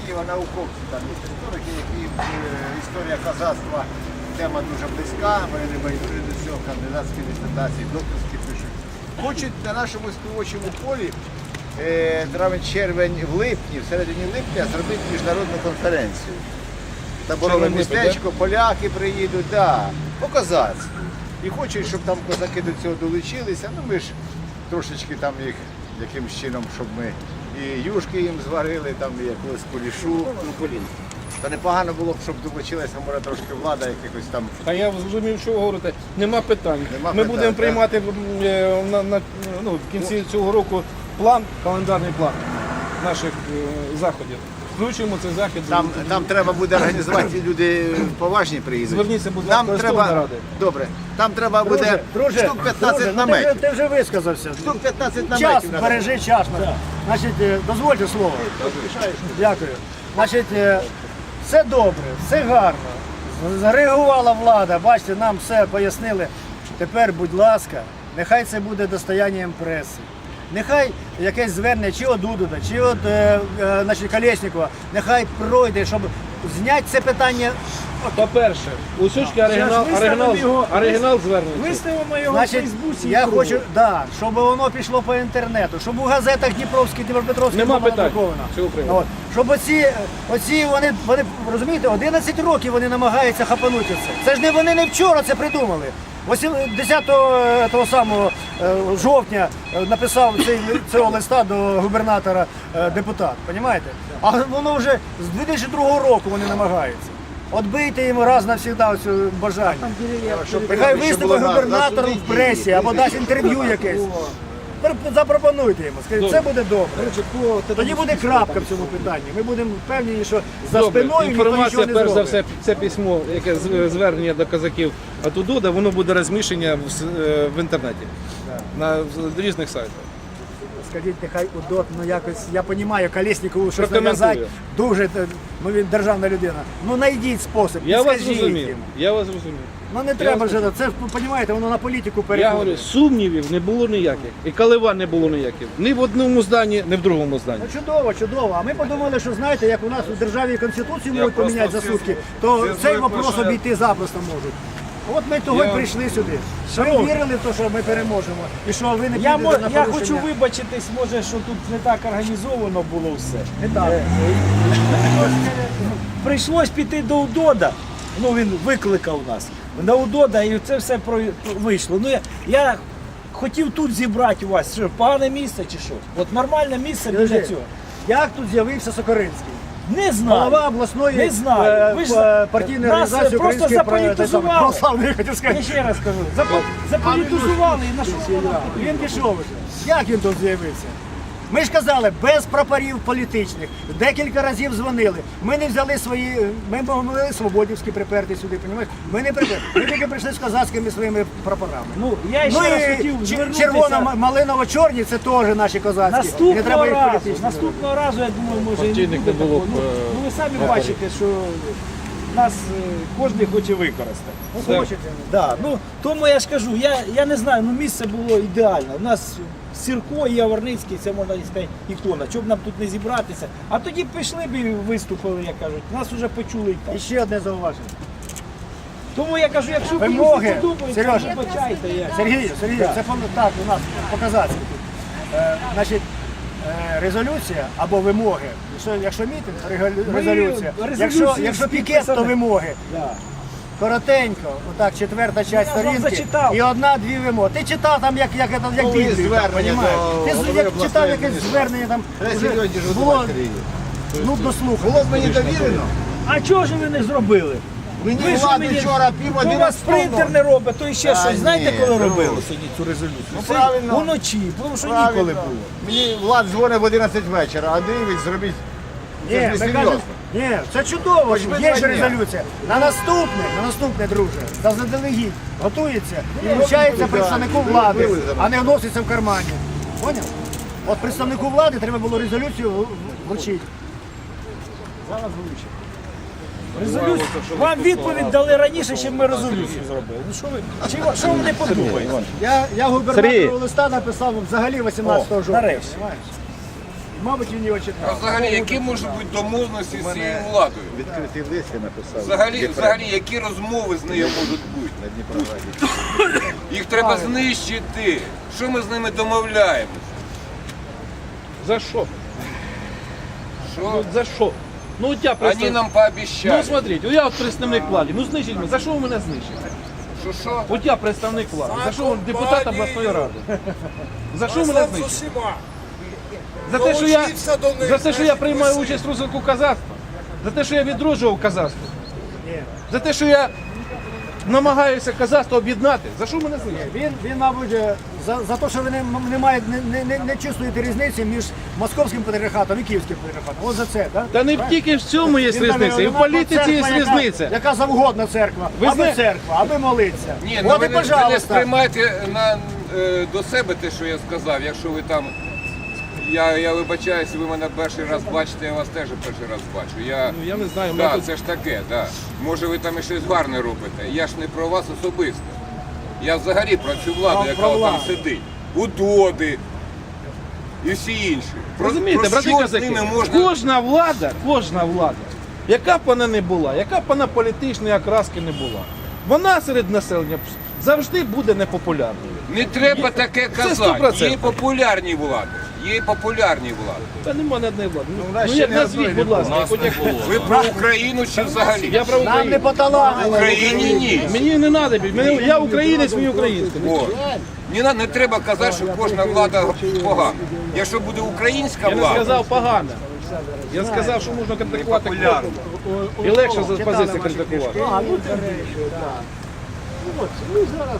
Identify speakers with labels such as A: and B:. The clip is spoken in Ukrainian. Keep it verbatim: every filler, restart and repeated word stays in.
A: істориків, а науковців. Там є історики, які е, історія козацтва, тема дуже близька, вони не байдужі до цього, кандидатські дисертації, докторські пишуть. Хочуть на нашому співочому полі е, травень-червень в липні, в середині липня зробити міжнародну конференцію. Таборове містечко, поляки приїдуть, да, по козацтву. І хочуть, щоб там козаки до цього долучилися. Ну ми ж трошечки там їх якимось чином, щоб ми і юшки їм зварили, там і якогось кулішу. Ну, колін. Та непогано було б, щоб долучилася, може, трошки влада якихось там.
B: А я зрозумів, що ви говорите. Нема питань.
A: Нема
B: Ми
A: питань,
B: будемо
A: так.
B: приймати е, на, на, ну, в кінці цього року план, календарний план наших е, заходів. Включимо цей захід.
A: Там, там треба буде організувати, люди поважні приїдуть.
B: Зверніться, будь
A: Нам
B: ласка, до
A: треба,
B: Ради.
A: Добре, там треба буде
C: Друже,
A: штук п'ятнадцять
C: друже, ну, ти,
A: наметів.
C: вже, ти вже висказався.
A: Штук п'ятнадцять
C: Час,
A: наметів. треба.
C: бережи час. Значить, е, дозвольте слово. Дякую. Значить, е, все добре, все гарно. Зареагувала влада, бачите, нам все пояснили. Тепер, будь ласка, нехай це буде достоянням преси. Нехай якесь звернення чи від Дудуда, чи від е, е, значить, Колєснікова, нехай пройде, щоб зняти це питання.
B: По-перше, у Сючки оригінал,
D: Зараз
B: оригінал,
D: виставимо його.
B: оригінал звернеться.
D: Виставимо його в
C: Значить,
D: Фейсбуці. і
C: я
D: кругом.
C: хочу, да, щоб воно пішло по інтернету, щоб у газетах Дніпровській, Дніпропетровській
B: Нема
C: було
B: питань
C: надруковано.
B: цього приводу.
C: От. Щоб оці, оці вони, вони, розумієте, одинадцять років вони намагаються хапанути це. Це ж не вони не вчора це придумали. десятого того самого е, жовтня е, написав цей, цього листа до губернатора е, депутат, розумієте? А воно вже з дві тисячі другого року вони намагаються. Отбийте йому раз навсігда цю бажання.
A: Щоб
C: Нехай
A: щоб
C: виступить
A: було на- на
C: губернатор
A: суді
C: в пресі
A: дії.
C: або дасть інтерв'ю якесь. Пр- Запропонуйте йому, скажіть, це буде добре. Тоді буде крапка в цьому питанні. Ми будемо впевнені, що за
B: Добре,
C: спиною ніхто нічого
B: інформація,
C: не
B: перш за
C: зробить.
B: все, це письмо, яке з- звернення до козаків від Дуда, воно буде розміщення в, с- е, в інтернеті, на в різних сайтах.
C: Скажіть, нехай УДОТ, ну якось, я розумію, Колєснікову щось
B: Прокоментую.
C: нав'язати, дуже, е, ну він державна людина. Ну знайдіть спосіб,
B: Я вас
C: скажіть
B: зрозумів.
C: йому.
B: Я вас зрозумів.
C: Ну не треба
B: вас
C: вже, це ж, розумієте, воно на політику
B: Я
C: переходить.
B: говорю, сумнівів не було ніяких. І коливань не було ніяких. Ні в одному зданні, ні в другому зданні.
C: Ну чудово, чудово. А ми подумали, що знаєте, як у нас у державі конституцію можуть поміняти за сутки, то цей вопрос обійти запросто можуть. От ми того й
B: Я-
C: прийшли сюди. Ми
D: Шановні.
C: вірили в те, що ми переможемо. І що ви не
D: Я,
C: підете
D: мо-
C: на
D: я
C: порушення.
D: хочу вибачитись, може, що тут не так організовано було все.
C: Не так.
D: Прийшлось піти до УДОДа, ну він викликав нас на УДОДа і це все про, вийшло. Ну я, я хотів тут зібрати вас, що погане місце чи що? От нормальне місце для
C: Скажи,
D: цього.
C: Як тут з'явився Сокоринський?
D: Не знаю.
C: Голова обласної
D: Не знаю.
C: е,
D: Ви ж
C: п- партійної
D: нас
C: організації
D: просто
C: української
D: заполітизували.
C: православної, я хотів
D: Я
C: сказати.
D: ще раз кажу, запо- заполітизували і на що воно?
C: Він пішов вже. Як він тут з'явився? Ми ж казали, без прапорів політичних. Декілька разів дзвонили. Ми не взяли свої, ми могли свободівські приперти сюди, розумієш? Ми не приперли. Ми тільки прийшли з козацькими своїми прапорами.
D: Ну, я ще
C: Ну
D: раз
C: і
D: хотів
C: чер-
D: звернутися.
C: червоно-малиново-чорні це теж наші козацькі. Не
D: Наступного
C: треба їх
D: разу,
C: політичні.
D: наступного разу, я думаю, може і не
B: Партійних
D: буде
B: не було
D: такого.
B: б,
D: Ну,
B: е,
D: ну ви самі
B: прапорів.
D: бачите, що нас е, кожен хоче використати.
C: Ну, хочете.
D: Да, ну, тому я ж кажу, я, я не знаю, ну місце було ідеальне. У нас Сірко і Яворницький, це можна сказати, ікона. Чого б нам тут не зібратися? А тоді б пішли б і виступили, як кажуть. Нас вже почули і так.
C: І ще одне зауваження.
D: Тому я кажу, якщо комусь
C: Вимоги.
D: не подобається,
C: Сережа.
D: вибачайте. Я.
C: Сергію, Сергію,
D: Так.
C: це по- так у нас по-казацьки тут. Е, значить, е, резолюція або вимоги. Якщо, якщо мітинг, то регалю-
D: Ми
C: резолюція.
D: резолюцію
C: Якщо, якщо пікет, то
D: підписали.
C: вимоги.
D: Да.
C: Коротенько, отак, четверта частина
D: Я ж вам
C: сторінки
D: зачитав.
C: і одна-дві вимоги. Ти читав там, як, як, як, як
A: Ну,
C: Біблію, там,
A: звернення
C: понімаєш?
A: до
C: Ти
A: голови
C: як
A: обласної
C: читав якесь
A: адміністрації.
C: звернення там,
A: Треба
C: вже
A: серйозніше
C: було
A: готувати її.
C: нудно слухати.
A: Було б мені довірено.
D: А чого ж ви не зробили?
A: Мені
D: Ви ж
A: влада
D: мені-
A: вчора пів
D: У вас
A: одинадцятого.
D: принтер не робить, то і ще
A: Та
D: щось. Знаєте,
A: ні,
D: коли
A: ну.
D: робили сьогодні цю резолюцію?
A: Ну,
D: Це
A: правильно.
D: Уночі, тому що
A: Правильно.
D: ніколи було.
A: Мені Влад дзвонить в одинадцять вечора, а дивить, зробіть.
C: Ні,
A: Це ж
C: ми
A: не
C: кажемо,
A: серйозно.
C: ні, це чудово,
A: Хоч
C: що
A: би
C: є
A: два
C: ж
A: дня.
C: резолюція. На наступне, на наступне, друже, та заздалегідь готується і
A: Ну,
C: вручається
A: ну,
C: представнику
A: да,
C: влади,
A: вивели зараз.
C: а не вноситься в кармані. Поняв? От представнику влади треба було резолюцію в- в- вручити. Зараз вручить.
D: Резолюцію. Вам відповідь дали раніше, ніж ми резолюцію зробили. Ну що ви, чи, ви- що ви не подумаєте?
C: Я, я губернатору листа написав взагалі вісімнадцятого
D: О,
C: жовтня.
D: нарешті.
C: Понимаєш? мабуть, він його
E: А
C: читав.
E: взагалі, які можуть бути домовленості з цією владою?
A: Відкритий лист я написав.
E: Взагалі, взагалі, які розмови з нею можуть бути?
A: На Дніпрораді.
E: Їх треба знищити. Що ми з ними домовляємося?
B: За що?
E: Що?
B: Ну, за що? Ну, от я
E: Вони
B: представ...
E: нам
B: Ну,
E: пообіцяли.
B: смотрите, я от представник влади. Ну, знищить мене. За що ви мене знищите?
E: Що що?
B: От я представник влади. За що ви депутат обласної ради? За що мене знищите? За те, що я, за те, що я приймаю участь в розвитку казацтва? За те, що я відроджував казацтво? За те, що я намагаюся казацтво об'єднати? За що мене знищити?
C: Він, він, мабуть, е, за, за те, що ви не, не, маєте, не, не, не чувствуєте різниці між московським патріархатом і київським патріархатом. От за це, так?
B: Та не тільки в цьому є
C: Він
B: різниця,
C: каже,
B: і в
C: «Одна
B: політиці є
C: церква, яка-
B: різниця.
C: Яка завгодна церква,
B: Ви
C: аби
B: зна-
C: церква, аби молитися.
E: Ні, ну
C: От
E: ви
C: і
E: не, ви не
C: пожалуйста.
E: сприймайте на, е, до себе те, що я сказав, якщо ви там. Я, я вибачаюся, ви мене перший раз бачите, я вас теж перший раз бачу. Я,
B: Ну, я не знаю, ми
E: да,
B: тут-
E: це ж таке, да. Може ви там і щось гарне робите. Я ж не про вас особисто. Я взагалі про цю владу,
C: Про-
E: яка
C: про
E: там
C: владу.
E: сидить. Удоди і всі інші. Про,
B: Розумієте,
E: про
B: брати
E: що з
B: козаки,
E: ними можна.
B: кожна влада, кожна влада, яка б вона не була, яка б вона політичної окраски не була, вона серед населення завжди буде непопулярною.
E: Не треба таке
B: сто
E: казати.
B: процентів.
E: Є популярні влади. Є популярні влади.
B: Та нема ні одної влади. Ну,
C: нас
B: ну
C: ще
B: як
C: не
B: назвіть,
C: одної
B: будь ласка, хоч як
E: Ви про Україну чи взагалі?
B: я про
C: Нам не
B: Україну.
C: по таланту.
E: В Україні ні.
B: Мені не треба, мені, я українець, мені українське.
E: О, не, на- не треба казати, що кожна влада погана. Якщо буде українська
B: Я не
E: влада,
B: сказав погано. Я сказав, що можна критикувати і легше за позиції критикувати.
C: А, ну, це, так. Ну, от, ну, зараз